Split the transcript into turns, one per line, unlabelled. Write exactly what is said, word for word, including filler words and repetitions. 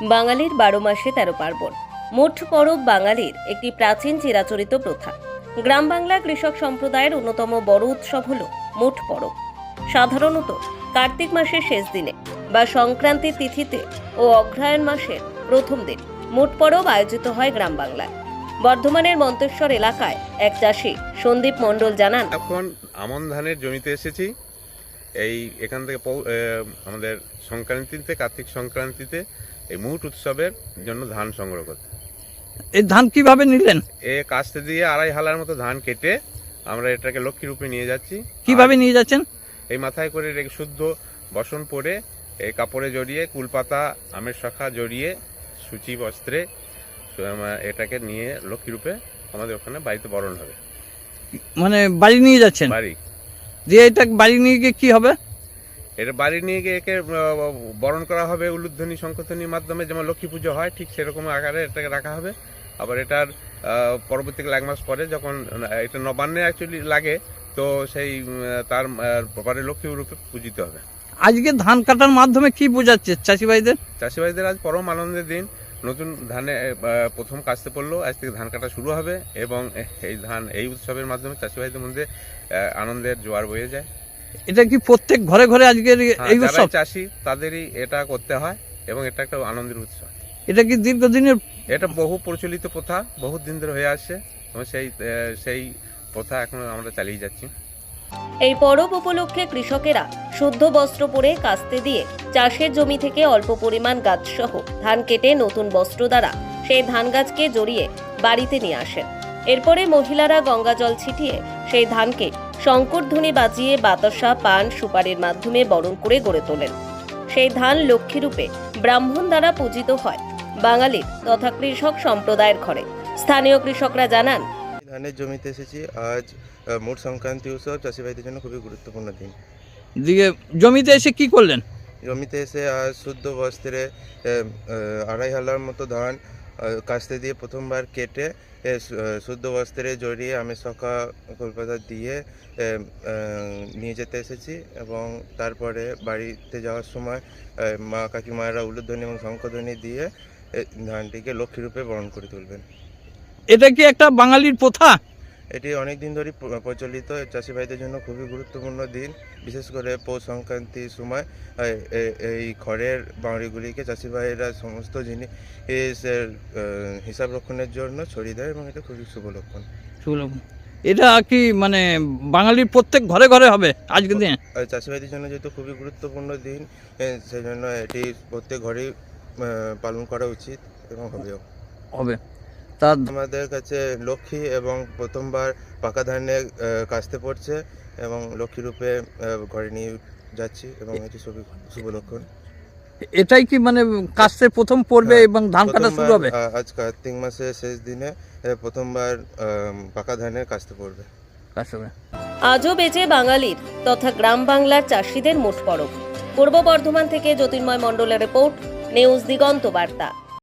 বাঙালির বারো মাসে তেরো পার্বণ। মোট পরব বাঙালির একটি প্রাচীন চিরাচরিত প্রথা। গ্রাম বাংলা কৃষক সম্প্রদায়ের অন্যতম বড় উৎসব হল মোট পরব। সাধারণত কার্তিক মাসের শেষ দিনে বা সংক্রান্তির তিথিতে ও অগ্রহায়ণ মাসের প্রথম দিন মোট পরব আয়োজিত হয় গ্রাম বাংলায়। বর্ধমানের মন্তেশ্বর এলাকায় এক চাষি সন্দীপ মণ্ডল জানান,
এখন আমন ধানের জমিতে এসেছি। এই এখান থেকে আমাদের সংক্রান্তিতে কার্তিক সংক্রান্তিতে এই মুট উৎসবের জন্য ধান সংগ্রহ করতে।
এই ধান কিভাবে নিলেন?
এ কাস্তে দিয়ে আড়াই হালার মতো ধান কেটে আমরা এটাকে লক্ষ্মী রূপে নিয়ে যাচ্ছি।
কিভাবে নিয়ে যাচ্ছেন?
এই মাথায় করে রেখে শুদ্ধ বসন পরে এই কাপড়ে জড়িয়ে কুলপাতা আমের শাখা জড়িয়ে সূচি বস্ত্রে এটাকে নিয়ে লক্ষ্মী রূপে আমাদের ওখানে বাড়িতে বরণ হবে।
মানে বাড়ি নিয়ে যাচ্ছেন?
বাড়ি
দিয়ে এটা বাড়ি নিয়ে গিয়ে কি হবে? এটা
বাড়ি নিয়ে গিয়ে একে বরণ করা হবে উলুধ্বনি শঙ্খধ্বনির মাধ্যমে, যেমন লক্ষ্মী পুজো হয় ঠিক সেরকম আকারে এটাকে রাখা হবে। আবার এটার পরবর্তীকালে এক মাস পরে যখন এটা নবান্নে অ্যাকচুয়ালি লাগে, তো সেই তার পরে লক্ষ্মী রূপে পূজিত হবে।
আজকে ধান কাটার মাধ্যমে কি বোঝাচ্ছে চাষি ভাইদের?
চাষি ভাইদের আজ পরম আনন্দের দিন। নতুন ধানে প্রথম কাস্তে পড়লো, আজ থেকে ধান কাটা শুরু হবে এবং এই ধান এই উৎসবের মাধ্যমে চাষি ভাইদের মধ্যে আনন্দের জোয়ার বয়ে যায়।
এটা কি প্রত্যেক ঘরে ঘরে আজকের এই উৎসব?
চাষি তাদেরই এটা করতে হয় এবং এটা একটা আনন্দের উৎসব।
এটা কি দীর্ঘদিনের?
এটা বহু প্রচলিত প্রথা, বহুত দিন ধরে হয়ে আসছে এবং সেই সেই প্রথা এখন আমরা চালিয়ে যাচ্ছি।
এই পরব উপলক্ষে কৃষকেরা শুদ্ধ বস্ত্র পরে কাস্তে দিয়ে চাষের জমি থেকে অল্প পরিমাণ গাছ সহ ধান কেটে নতুন বস্ত্র দ্বারা সেই ধান গাছকে জড়িয়ে বাড়িতে নিয়ে আসেন। এরপরে মহিলারা গঙ্গা জল ছিটিয়ে সেই ধানকে শঙ্করধ্বনি বাজিয়ে বাতাসা পান সুপারির মাধ্যমে বরণ করে গড়ে তোলেন। সেই ধান লক্ষ্মীরূপে ব্রাহ্মণ দ্বারা পূজিত হয় বাঙালির তথা কৃষক সম্প্রদায়ের ঘরে। স্থানীয় কৃষকরা জানান,
ধানের জমিতে এসেছি। আজ মোট সংক্রান্তি উৎসব চাষি ভাইদের জন্য খুবই গুরুত্বপূর্ণ দিন।
দিয়ে জমিতে এসে কি করলেন?
জমিতে এসে আজ শুদ্ধ বস্ত্রে আড়াই হালার মতো ধান কাস্তে দিয়ে প্রথমবার কেটে শুদ্ধ বস্ত্রে জড়িয়ে আমের শাখা কলপাতা দিয়ে নিয়ে যেতে এসেছি এবং তারপরে বাড়িতে যাওয়ার সময় মা কাকিমায়েরা উলুধ্বনি এবং শঙ্খধ্বনি দিয়ে ধানটিকে লক্ষ্মীরূপে বরণ করে তুলবেন।
এটা কি একটা বাঙালির প্রথা?
এটি অনেক দিন ধরেই প্রচলিত। চাষি ভাইদের জন্য খুবই গুরুত্বপূর্ণ দিন, বিশেষ করে পৌষ সংক্রান্তির সময় এই খড়ের বাউড়িগুলিকে চাষি ভাইয়েরা সমস্ত জিনিসের হিসাব রক্ষণের জন্য ছড়িয়ে দেয় এবং এটা খুবই শুভ লক্ষণ।
শুভ লক্ষণ। এটা কি মানে বাঙালির প্রত্যেক ঘরে ঘরে হবে আজকের দিনে?
চাষি ভাইদের জন্য যেহেতু খুবই গুরুত্বপূর্ণ দিন, সেই জন্য এটি প্রত্যেক ঘরেই পালন করা উচিত এবং হবেও
হবে।
আমাদের কাছে লক্ষ্মী এবং প্রথমবার পাকা ধানে কাস্তে পড়ছে এবং লক্ষ্মী রূপে ঘরে নিয়ে যাচ্ছি এবং এটি শুভ লক্ষণ।
এটাই কি মানে কাস্তে প্রথম পড়বে এবং ধান কাটা শুরু হবে?
আজ কার্তিক মাসের শেষ দিনে প্রথমবার পাকা ধানে কাস্তে পড়বে।
আজও বেঁচে বাঙালির তথা গ্রাম বাংলার চাষিদের মোট পরব। পূর্ব বর্ধমান থেকে জ্যোতির্ময় মণ্ডলের রিপোর্ট, নিউজ দিগন্ত বার্তা।